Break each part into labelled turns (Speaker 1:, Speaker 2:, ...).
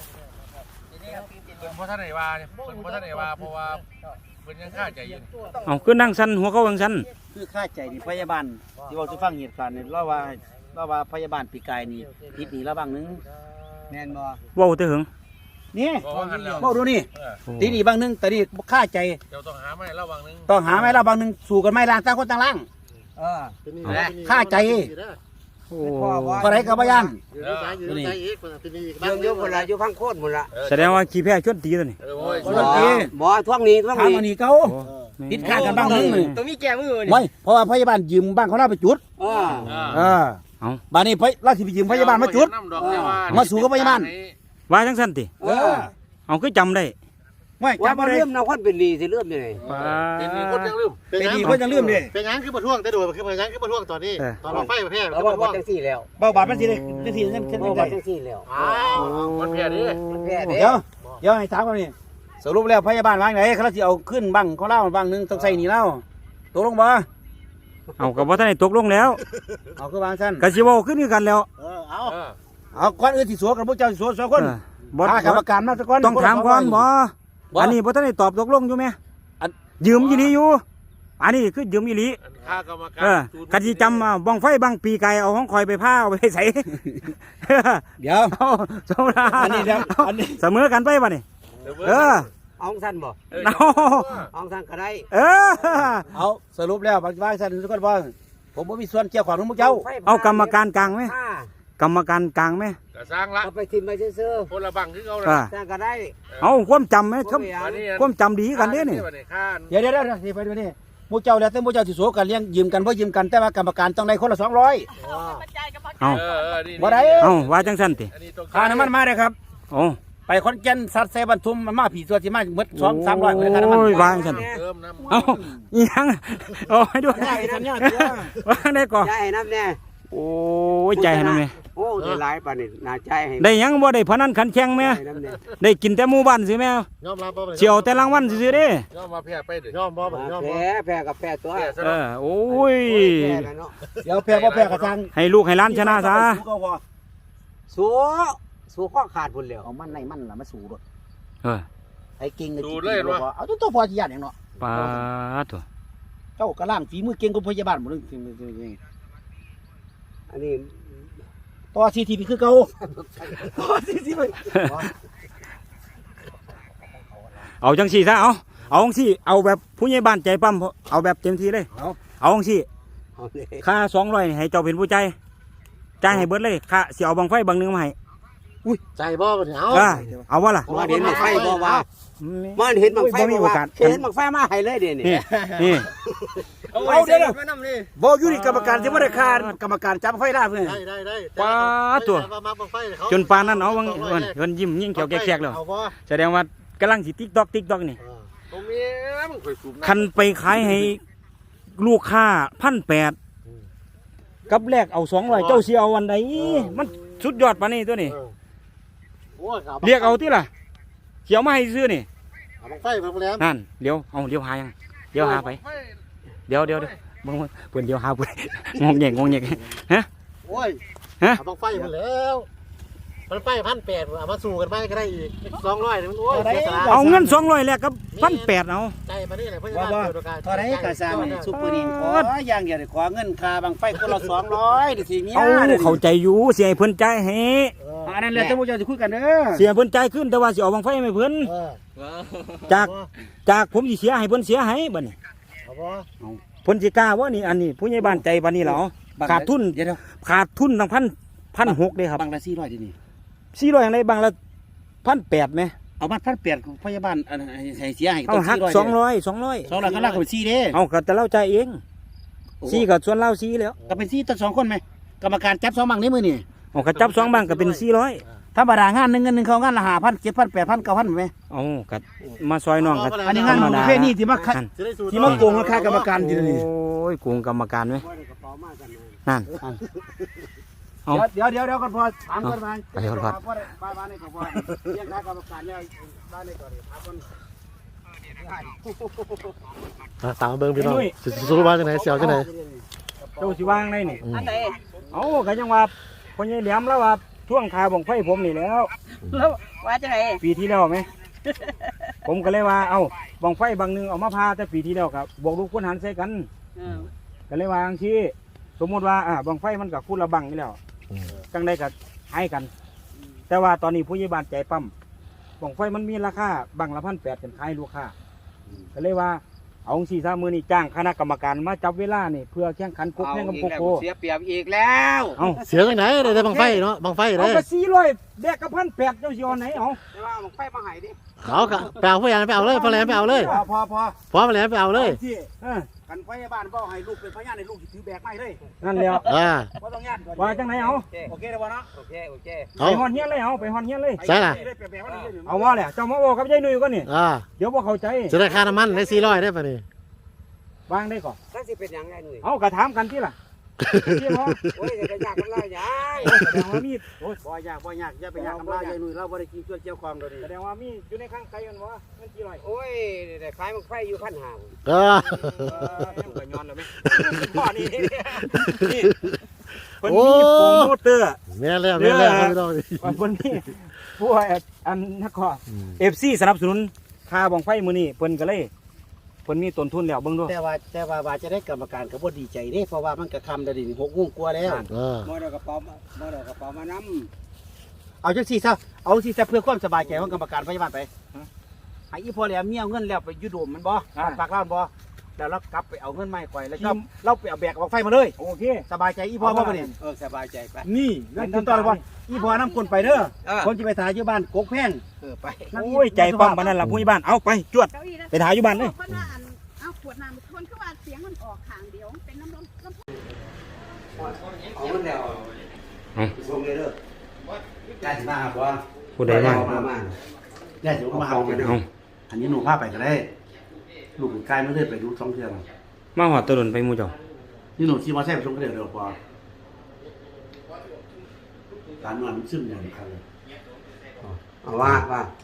Speaker 1: เพราะท่านไหนว่าเพราะท่านไหนว่าเพราะว่าเป็นยังค่าใจยืน
Speaker 2: เอาคือนั่งสั้นหัวเขาวังสั้น
Speaker 3: คือค่าใจนี่พยาบาลที่เราจะฟังเหตุการณ์นี่เราว่าพยาบาลปีกายนี่ผิดนี่แล้วบางนึงแม่นบ่
Speaker 2: เว้าแต่หึง
Speaker 3: นี่เว้าดูนี่ทีนี่บางนึงแต่นี่ค่าใจ
Speaker 1: เดี๋ยวต้องหาไม้ระวังนึง
Speaker 3: ต้องหาไม้ระวังนึงสู่กันไม่ล่างต่างคนต่างล่างค่าใจพอไรกับพยาน
Speaker 4: เยอะหมดละอยู่พังโคตรหมดละ
Speaker 2: แสดงว่าขี้แพ้ชวนตีตัวนี้
Speaker 4: บ่ท่วงนี้ท่วงนี้
Speaker 3: นี่เขาผิดค่ากันบ้างนึง
Speaker 4: ต้องมีแก้มือ
Speaker 3: ไม่เพราะว่าพยาบาลยืมบ้างเขาหน้าไปจุดบ้านนี้เราสิไปยืมพยาบาลมาจุดมาสู่กับพยาบาล
Speaker 2: ว่าจังสั้นติเอาคือจำได้
Speaker 3: ไม่
Speaker 4: จำไม่ได้เริ่มเราคนเป็นดีสิเริ่มยังไง
Speaker 1: เป็นดีคนยังลืม
Speaker 3: เป็นดีคนยังลืมดิ
Speaker 1: เป็นยังคือประท้วงแต่โดยคือเป็นยังคือประท้วงตอนนี้ตอนเราไฟประเภท
Speaker 4: เราบอกจังสี่แล้ว
Speaker 3: เบาบาดมันสิเลยจังสี่จัง
Speaker 4: สี่แล้ว
Speaker 1: มันแพ้ดิ
Speaker 3: เดี๋ยวให้ถามกันนี่สรุปแล้วพยาบาลวางไหนเขาจะเอาขึ้นบ้างเขาเล่าบ้างนึงต้องใส่หนีเล่าตกลงบ่
Speaker 2: เอากับว่าท่านได้ตกลงแล้ว
Speaker 3: เอาคือวางสั้น
Speaker 2: กะสิเว้าขึ้นกันแล้ว
Speaker 3: เอาก้อนอื่นที่สัวกับพวกเจ้าสัวสองคนกรรมการมาสักคน
Speaker 2: ต้องถามก่อนบ่อันนี้บ่ท่านได้ตอบตกลงอยู่ไหมยืมอีหลีอยู่อันนี้คือยืมอีหลี
Speaker 1: ค่ากรรมการ
Speaker 2: กะสิจำบ้องไฟบังปีไก่เอาของคอยไปผ้าเอาไปใส่
Speaker 3: เดี๋ยว
Speaker 2: สมราอันนี้เสมอกันไปบ่นี่
Speaker 4: เอาสั้นบ่เอาสั้นก็ได้
Speaker 3: เอาสรุปแล้วบางสั้นทุกคนว่าผมไม่มีส่วนเกี่ยวข้องกับพวกเจ้า
Speaker 2: เอากรรมการกลางไหมกรรมการกลางไหม
Speaker 1: สร้างละ
Speaker 4: ไปทิมไปซื้อ
Speaker 1: คนละบังคือเขา
Speaker 4: สร้างก็ได้
Speaker 2: เอาความจำไหมความจำดีกันเนี่ยนี่
Speaker 3: เดี๋ยวไปดูนี่พวกเจ้าแล้วแต่พวกเจ้าสิสัวกันเลี้ยงยืมกันเพราะยืมกันแต่ว่ากรรมการต้องได้คนละ200
Speaker 2: เอา
Speaker 3: บ่ได้
Speaker 2: เอาว่าจังสั้นติ
Speaker 3: ค่าน้ำมันมาเลยครับไปคอนแก่นสัตว์เซบันทุมมาผีตัวที่มาหมด200-300เลยค่าน้ำมัน
Speaker 2: วางฉันเอายังโอ้ยด้วยวางได้ก่อน
Speaker 4: ใจน้ำเนี่ย
Speaker 2: โอ้ยใจให้น้ำเนี่ย
Speaker 4: โอ้ได้หลายป่านนี่น่าใจให้
Speaker 2: ได้ยังบ่ได้พนันขันแข่งไหมได้กินแต่หมู่บ้านสิแม่เฉียวแต่รางวัลสิเด้
Speaker 1: ยอมมาแพ้ไปเด้ยอมบ่
Speaker 4: แพ้กับแพ้ตัว
Speaker 2: โอ้ย
Speaker 3: เดี๋ยวแพ้บ่แพ้กระชัง
Speaker 2: ให้ลูกให้ล้านชนะซะ
Speaker 4: สู้ข้อขาดพุ่นแล้ว
Speaker 3: เอามันในมันล่ะมาสู้รถไอ้เก่ง
Speaker 1: สู้เลยว่า
Speaker 3: เอาตัวพอสิญาติอย่างเนาะ
Speaker 2: ปาตัว
Speaker 3: เจ้ากระล่างฝีมือเก่งกว่าพยาบาลหมดเลย
Speaker 4: อันนี้
Speaker 3: ต่อซีทีพีคือเก่าต่อซีทีพี
Speaker 2: เอาจังสี่ซะเอาจังสี่เอาแบบผู้ใหญ่บ้านใจปั้มเอาแบบเต็มที่เลยเอาจังสี่ค่า200ให้เจ้าเป็นผู้ใจให้เบิดเลยค่าเสียเอาบังไฟบังนึงมาให้
Speaker 4: อุ้ยใจบ่เนี่ย
Speaker 2: เอาว่าล่ะ
Speaker 4: เห็นบังไฟบ่ว่ามันเห็นบังไฟบ่ว่าเห็นบังไฟมาให้เลยเดี๋ยวนี้
Speaker 2: นี่
Speaker 3: เอาเดี๋ยวบ่อยู่นี่กรรมการจะไม่ได้คานกรรมการจับไฟได้เพื่อน
Speaker 1: ได้
Speaker 2: ป้าตัวจนปานนั้นเอาวันยิ้มยิ่งเขียวแกกแล้วแสดงว่ากำลังสิติ๊กตอกนี่คันไปขายให้ลูกค้า1,800กับแรกเอา200เจ้าเสียเอาวันใดมันสุดยอดปานนี้ตัวนี้เรียกเอาที่ล่ะเขียวมาให้ซื้อนี่นั่นเดี๋ยวหายังเดี๋ยวหาไปเดี๋ยวมึงเพื่อนเดี๋ยวหาไปงงแงฮะ
Speaker 1: โอ้ยบังไฟมาแล้วมันไฟ1,800เอามาสู้กันไปก็ได้อีก200มันโอ้ย
Speaker 2: เอาเงิน200แลกกับ1,800เอา
Speaker 1: ใจมานี่แหละเพื่อน
Speaker 3: ตอนนี้กระซามซุปเปอร์ดินขออย่างเดียวขอเงินค่าบังไฟคนละ200ดิสิเมีย
Speaker 2: เข้าใจอยู่เสียให้เพิ่นใจให้
Speaker 3: อันนั้นแหละท่านผู้ชมจะคุยกันเด้อ
Speaker 2: เสียเพิ่นใจขึ้นแต่ว่าสิเอาบังไฟให้เพิ่นจากผมสิเสียให้เพิ่นเสียให้บัดนี้เพิ่นสิกล้าว่านี่อันนี้ผู้ใหญ่บ้านใจปานนี้เหรอขาดทุนตั้ง1,600เด้ครับ
Speaker 3: บังละ400ดินี่
Speaker 2: 400อย่างไรบังละ1,800มั้ย
Speaker 3: เอามา1,800พยาบาลให้เสียให้
Speaker 2: ต้องหัก200
Speaker 3: ก็ลากเป็น4เด้
Speaker 2: เอาก็แต่เราใจเอง4ก็ส่วนเรา4แล้ว
Speaker 3: ก็เป็น4ตั้ง2คนมั้ยกรรมการจับ2บังในมือนี่
Speaker 2: เอาก็จับ2บังก็เป็น400
Speaker 3: ธรรมดางานนึงเขางานละ5,000 7,000 8,000 9,000มั้ย
Speaker 2: เอาก็มาซอยน้องก็
Speaker 3: อันนี้งานประเภทนี้ที่มาโกงราคากรรมการทีนี้
Speaker 2: โอ้ยโกงกรรมการมั้ยนั่น
Speaker 3: เดี๋ยวก่อนพอถามก่อน
Speaker 2: ไปก่อนพอ
Speaker 3: บ้านนี่ก็พอเรียกค่ากรรมการเนี่ยบ้านนี่ก่อนถามก่อน
Speaker 1: ตามเบิ่งพี่น้องสุรุว่าจังไหนเสียวจังไหน
Speaker 2: เจ้าสิวางได้นี่อันใดเอาก็ยังว่าพ่อใหญ่แหลมแล้วว่าทท่วงคาบังไฟผมนี่แล้ว
Speaker 5: แล้วว่าจะไง
Speaker 2: ปีที่แล้วไหม ผมก็เลยว่าเอาบังไฟบางหนึงเอามาพาแต่ปีที่แล้วครับบวกลูกคุณหันใส่กัน
Speaker 5: เออ
Speaker 2: ก็เลยว่าจังซี่สมมุติว่าบังไฟมันกับคุณละบังนี่แล้วจังได้กับให้กัน แต่ว่าตอนนี้ผู้ใหญ่บ้านใจปั๊มบังไฟมันมีราคาบังละ1,800เป็นขายลูกค้าก็เลยว่าเอาสี่สามมือนี่จ้างคณะกรรมการมาจับเวลานี่เพื่อแข่งขันกบแข่งกับโกโก้
Speaker 3: เสียเปรียบอีกแล้ว
Speaker 2: เอา
Speaker 1: เสียจังไหนได้บังไฟเนาะบังไฟ
Speaker 2: เอา
Speaker 1: ได้
Speaker 2: ไป400แบกกับ1,800เจ้าสิเอาไหนเอา
Speaker 3: แต่ว่าบังไฟมาให้ดิ
Speaker 1: เขาก็ไปเอาพยานไปเอาเลยพยานไปเอาเลย
Speaker 3: พอ
Speaker 1: พอพยานไปเอาเลย
Speaker 3: ที่
Speaker 2: เออ
Speaker 3: กันพยาบาลบ่ให้ลูกเป็นพยานให้ลูกถือแบกไม้เลย
Speaker 2: นั่นแล้ว
Speaker 3: บ่ต้องญาติ
Speaker 2: ว่าจังไหนเอา
Speaker 3: โอเคได้บ่เนาะโอเค
Speaker 2: ไป
Speaker 1: เขา
Speaker 2: ฮอนเฮียนเลยเอาไปฮอนเฮียนเลย
Speaker 1: ใช่ล่ะ
Speaker 2: เอาว่าแหละเจ้ามาบอกกับยายหนุ่ยก็นี่ เดี๋ยวบ่เข้าใจ
Speaker 1: จะได้ค่าน้ำมันได้400ได้ป่ะนี่
Speaker 2: วางได้ก่อน
Speaker 3: ถ้าสิเป็นหยังไงหนุ่ย
Speaker 2: เอากระถามกันที่ล่ะที่หมอ
Speaker 3: โอ้ยจะยากกันแล้วยาย
Speaker 2: แสดงว่ามีโอ้ย
Speaker 3: บ่ยากอย่าไปยากกับเรายายหนุ่ยเราบ่ได้กินช่วยเกี่ยวความเราดิ
Speaker 2: แสดงว่ามีอยู่ในข้างไกลกันวะมันกี่ร้อย
Speaker 3: โอ้ยได้ขายบังไฟอยู่พันหา
Speaker 2: ก็ย้อนแล้วไหมพ่อนี่นี่คนนี้โปรโมเตอร์
Speaker 1: แม่แล้วแม่แล้วไม่ต้อง
Speaker 2: คนนี้ผู้อันนักขอFC สนับสนุนค่าบ้องไฟมื้อนี้เพิ่นก็เลยเพิ่นมีต้นทุนแล้วเบิ่งดู
Speaker 3: แต่ว่าจะได้กรรมการก็บ่ดีใจเด้เพราะว่ามันก็ค่ำแล้วดิ6 โมงกว่าแล้ว บ่ได้กระเป๋ามานำเอาจังซี่ซะเอาสิซะเพื่อความสบายใจของกรรมการพยาบาลไปให้อีพ่อแหลมเมียเอาเงินแล้วไปอยู่โดมมันบ่ฝากร้านบ่แล้วเรากลับไปเอาเงินมาให้ข่อยแล้วก็เราไปเอาแบกบังไฟมาเลย
Speaker 2: โอเค
Speaker 3: สบายใจอีพ่อบ่เนี่ยสบายใจไปนี่นั่นคือตอนว่าอีพ่อนำคนไปเด้อคนสิไปถ่ายอยู่บ้านกกแพงไป
Speaker 2: โอ้ยใจปั๊มปานนั้นล่ะผู้ใหญ่บ้านเอาไปจวด
Speaker 5: เก้าอี้นะ
Speaker 2: ไปถ่ายอยู่บ้านเลย
Speaker 5: คนว่าอันเอาขวดน้ำคนคือว่าเสียงมันออกข้างเดียวเป็นน้ำลม
Speaker 3: เอาเงินแล้วส่งเลยเด้อได้สิมาบ่
Speaker 2: ผู้ใดบ้าง
Speaker 3: ได้สิมาเอาไปเด้อ
Speaker 2: เอา
Speaker 3: อันนี้หนูพาไปก็ได้ลูกกายไม่ได้ไปดูท่องเที่ยว
Speaker 2: มาหอดตะลุนไปหมู่เจ้า
Speaker 3: นี่หนูขี่มอเตอร์ไซค์ไปส่งก็เดี๋ยวพอการนอนมันซึมอย่างนี้ครับเอาว่า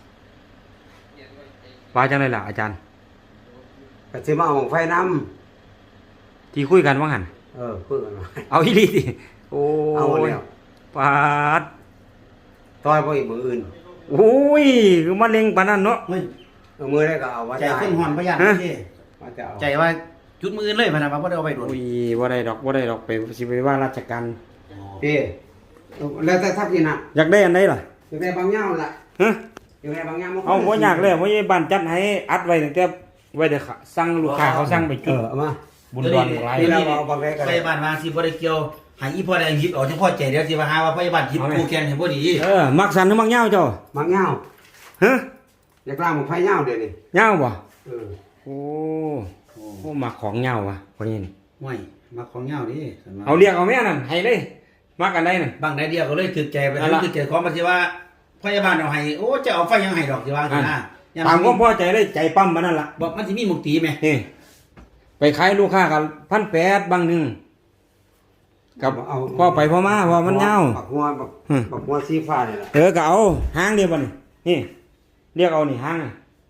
Speaker 2: ว่าจังไดล่ะอาจารย์
Speaker 4: ก็สิมาเอาไฟน้
Speaker 2: ที่คุยกันว่าหั่น
Speaker 4: ำเพื่อนกันมา
Speaker 2: เอาอีหลีสิโอ้
Speaker 4: เอา
Speaker 2: ย
Speaker 4: แล้ว
Speaker 2: ปาด
Speaker 4: ต่อยบ่อีกมืออื่น
Speaker 2: โอ้ยคือมะเร็งปานนั้นเนาะ
Speaker 4: มือได้ก็เอาว่า
Speaker 3: ใจขึ้นหอนพยานที่
Speaker 4: ว่าจะเอา
Speaker 3: ใจว่าจุดมือเลยพนันว่าบ่ได้เอาไปโดน
Speaker 2: โอ้ยบ่ได้ดอกไปสิไปว่าราชการ
Speaker 4: พี่แล้วแต่ทักนี่นะ
Speaker 2: อยากได้อันใดล่ะ
Speaker 4: อยู่ในบางย่าล่ะ
Speaker 2: ฮะ
Speaker 4: อยู่ในบางย่า
Speaker 2: เอาบ่อยากเลยผู้ใหญ่บ้านจัดให้อัดไว้ตั้งแต่ไว้เด้อค่ะสั่งลูกค้าเขาสั่งไปจุด
Speaker 4: เอามา
Speaker 2: บุญดอนบุญหลาย
Speaker 4: นี่เราเอาบางแรกกัน
Speaker 3: พยาบาลมาสิบ่ได้เกี่ยวให้อีพ่อได้หยิบเอาเฉพาะใจเดี๋ยวสิว่าหาว่าพยาบาลหยิบกูแกงให้บ่ดี
Speaker 2: มักสันหรือมักเหย้าเจ้า
Speaker 4: บางย่า
Speaker 2: ฮะ
Speaker 4: อยากล่างมันไฟย่าเดี๋ยวนี้
Speaker 2: เหย้าบ่
Speaker 4: เออ
Speaker 2: โอ้มักของเหย้าว่ะคนนี้นี่
Speaker 3: ห่วยมาของเหงาดิ
Speaker 2: เอาเรียกเอาแม่นั่นให้เลยมักอันใดนั่น
Speaker 3: บางได้เดียวก็เลยถึกใจไปถึกใจของมันสิว่าพยาบาลเอาให้โอ้จะเอาไฟยังให้ดอกสิว่าสินะ
Speaker 2: ตามความพอใจเลยใจปั๊มปานนั้นล่ะ
Speaker 3: บอกมันสิมีหมุกตีไหม
Speaker 2: นี่ไปขายลูกค้ากัน1,800บางหนึงกับพ่อไปพ่อมาว่ามันเหย้า
Speaker 4: บักหัวสีฟ้านี่แหละ
Speaker 2: ก็เอาหางเดียวบ่นี่เรียกเอานี่หาง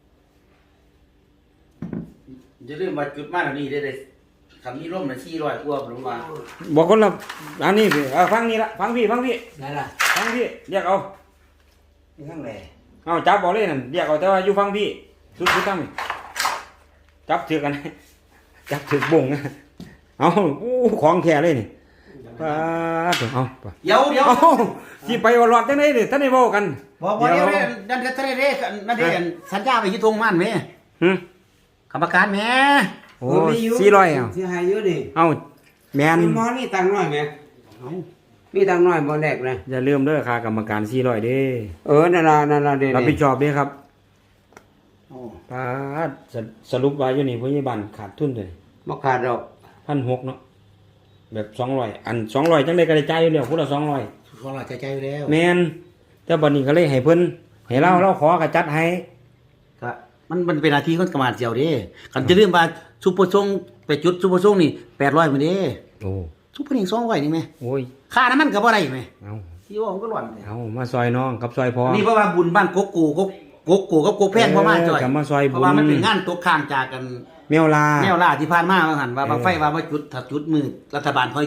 Speaker 3: อย่าลืมว่าจุดมาแล้วนี่ได้คันมีร่มน่ะ400กว่าลงมา
Speaker 2: บอกคนละอันนี้สิฟังนี่ละฟังพี่
Speaker 3: นั่นล่ะ
Speaker 2: ฟังพี่เรียกเอา
Speaker 3: นี่ข้างแล
Speaker 2: เอาจับบอกเลยนั่นเรียกเอาแต่ว่าอยู่ฟังพี่สุดตั้งนี่จับถือกัน จับถือบ่งเอาอู้ของแท้เลยนี่ป้าดเอาไป
Speaker 3: เดี๋ยว
Speaker 2: เอาที่ไปวอลอดจังได๋นี่ท่านได้เว้ากัน
Speaker 3: บอกเดี๋ยวนั่นทะเลเด้นั่นเด้สัญญาไปที่ทงมันแม่
Speaker 2: หึ
Speaker 3: กรรมการแม่
Speaker 2: โอ้400เอา
Speaker 4: ที่ให้อยู่ดิ
Speaker 2: เอาแม่น
Speaker 4: มีหมอนี่ตังค์น้อยไหมมีตังค์น้อยบ่แรกเลย
Speaker 2: อย่าลืมเด้อค่ากรรมการ400เด้
Speaker 4: นั่นล่ะเด้
Speaker 2: รับผิดชอบเด้ครับ
Speaker 3: โอ้
Speaker 2: ป้าดสรุปว่าอยู่นี่พยาบาลขาดทุนเลย
Speaker 4: บ่ขาดดอก
Speaker 2: 1,600เนาะแบบ200อัน200จังได๋ก็ได้จ่ายอยู่แล้วพุ่นละ200
Speaker 3: ของเราใจอยู่แล้ว
Speaker 2: แม่นแต่บัดนี้ก็เลยให้เพิ่นให้เราขอกระจัดให้
Speaker 3: ก็มันเป็นหน้าที่ของกรรมการเดียวเด้กันจะลืมว่าซุปเปอร์ส่งไปจุดซุปเปอร์ส่งนี่800มื้อเด้
Speaker 2: โอ้
Speaker 3: ซุปเปอร์นี่200นี่แม่
Speaker 2: โอ้ย
Speaker 3: ค่าน้ำมันก็บ่ได้แม่
Speaker 2: เอา
Speaker 3: ที่ว่ามันก็หล่อน
Speaker 2: เอามาซอยน้องกับซอยพอ
Speaker 3: นี่เพราะว่าบุญบ้านกกกูกับกกแพงเพราะมาจ่อย
Speaker 2: ก็มาซอย
Speaker 3: เพ
Speaker 2: บุญ
Speaker 3: ราะว่ามันเป็นงานตกข้างจากกัน
Speaker 2: แมวลา
Speaker 3: แนวล่าที่ผ่านมาว่าหั่นว่าบางไฟว่าจุดถ้าจุดมือรัฐบาลค่อยจุด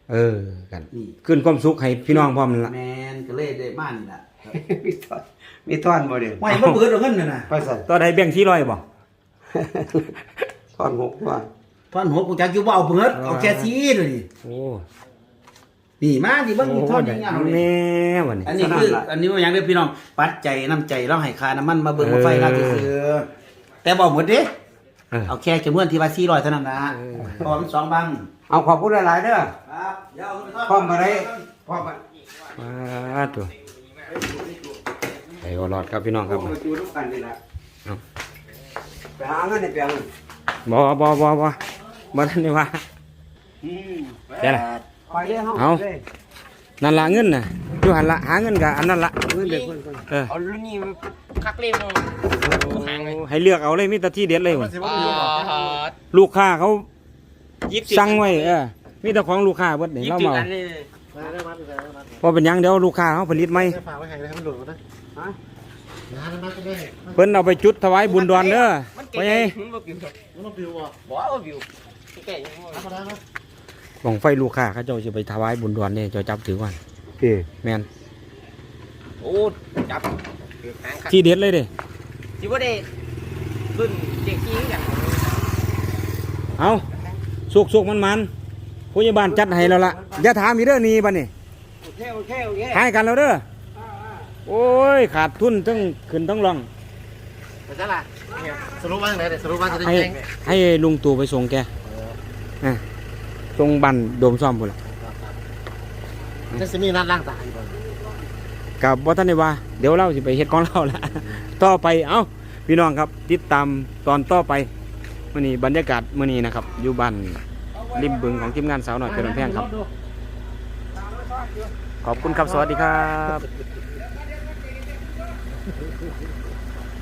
Speaker 2: กัน
Speaker 3: นี่
Speaker 2: ขึ้นความสุขให้พี่น้องพร้อมนั่นล่ะ
Speaker 3: แมนก็เลยได้มานี่ล่ะ
Speaker 4: มีท่อนบ่เด้อ
Speaker 3: ไม่บ่เบิดเอาเงินน่ะนะ
Speaker 4: ไปใส่
Speaker 2: ต่อได้แบ่ง400บ่
Speaker 4: ท่อน6ว่า
Speaker 3: ท่อนหัวกูจักอยู่บ่เอาเบิดเอาแค่ซีเลยนี่
Speaker 2: โอ้
Speaker 3: นี่มาสิเบิ่งนี่ท่อนยังเอา
Speaker 2: แม่
Speaker 3: นี่
Speaker 2: วันนี้
Speaker 3: อันนี้คืออันนี้ว่าหยังเด้อพี่น้องปัดใจน้ำใจเราให้ค่าน้ำมันมาเบิ่งมาไฟเราซื่อๆแต่บ่หมดเด้เอาแค่จำนวนที่ว่า400เท่านั้นนะเพราะว่ามัน2บัง
Speaker 4: เอาขอบคุณหลายๆเด้อ
Speaker 3: ครับเดี๋ยวเอาไปทอด
Speaker 4: พร้อมบ่ได้พร้อมบ่
Speaker 2: ตัวไปบ่รอดครับพี่น้องครับ
Speaker 4: มาจูทุกกันนี่ล่ะ
Speaker 2: เอา
Speaker 4: ไปหาเงินในเปียง
Speaker 2: บ่ทันได้ว่าใช่ล่ะ
Speaker 4: ไปเด้อเฮา
Speaker 2: เอา นั่นละเงินน่ะอยู่หันละหาเงินกับอันนั้นละ
Speaker 4: เงินเด็กเพิ่น
Speaker 6: เอารุ่นนี้คักเล่มหางเลย
Speaker 2: ให้เลือกเอาเลยมีแต่ที่เด็ดเลย
Speaker 1: มันสิว่ามีอยู่บ่
Speaker 2: ลูกค้าเขา
Speaker 6: 20
Speaker 2: สั่งไว้มีแต่ของลูกค้าเบิดนี่เรา
Speaker 6: 20
Speaker 2: เมา
Speaker 6: อันเลย
Speaker 1: ได้มัดได้มัด
Speaker 2: พอเป็นหยังเดี๋ยวลูกค้าเขาผลิตไหม
Speaker 1: ได้ฝากไว้ให้ได้ให้มันหลุดนะฮะงานมันก็ได้
Speaker 2: เพิ่นเอาไปจุดถวายบุญดอนเด้อ
Speaker 6: มัน
Speaker 2: ไปไง
Speaker 6: มันบ่ปิว
Speaker 1: มันต้องปิวบ่
Speaker 6: บ่เอาปิวแก่ยังบ่
Speaker 1: ธรรมดาเนาะ
Speaker 2: บ่งไฟลูกค้าเขาเจ้าสิไปถวายบุญดอนนี่เจ้าจับถือว่า
Speaker 4: พี่
Speaker 2: แม่น
Speaker 6: โอ้จับปิวหางคัก
Speaker 2: ที่เด็ดเลยเด้
Speaker 6: สิบ่ได้รุ่นเด็กขี้กัน
Speaker 2: เอาสุกมันผู้ใหญ่บ้านจัดให้แล้วล่ะอย่าถามอีกเด้อนี่บัดนี้
Speaker 4: โอเค
Speaker 2: ให้กันแล้วเด้อโอ้ยขาดทุนทั้งขึ้นทั้งลอง
Speaker 1: แต่จ้าล่ะสรุปว่าจังได๋สรุปว่าจะได้
Speaker 2: ให้
Speaker 1: แจ้ง
Speaker 2: ให้ลุงตู่ไปส่งแกส่งบันโดมซ่อมพุ่นล่ะ
Speaker 1: จะสิมีนัดล้างตาอีกบ่
Speaker 2: กับบ่ทันได้ว่าเดี๋ยวเราสิไปเฮ็ดของเราละ ต่อไปเอ้าพี่น้องครับติดตามตอนต่อไปมื้อนี้บรรยากาศมื้อนี้นะครับอยู่บ้านริมบึงของทีมงานสาวน้อยเพชรแพงครับขอบคุณครับสวัสดีครับ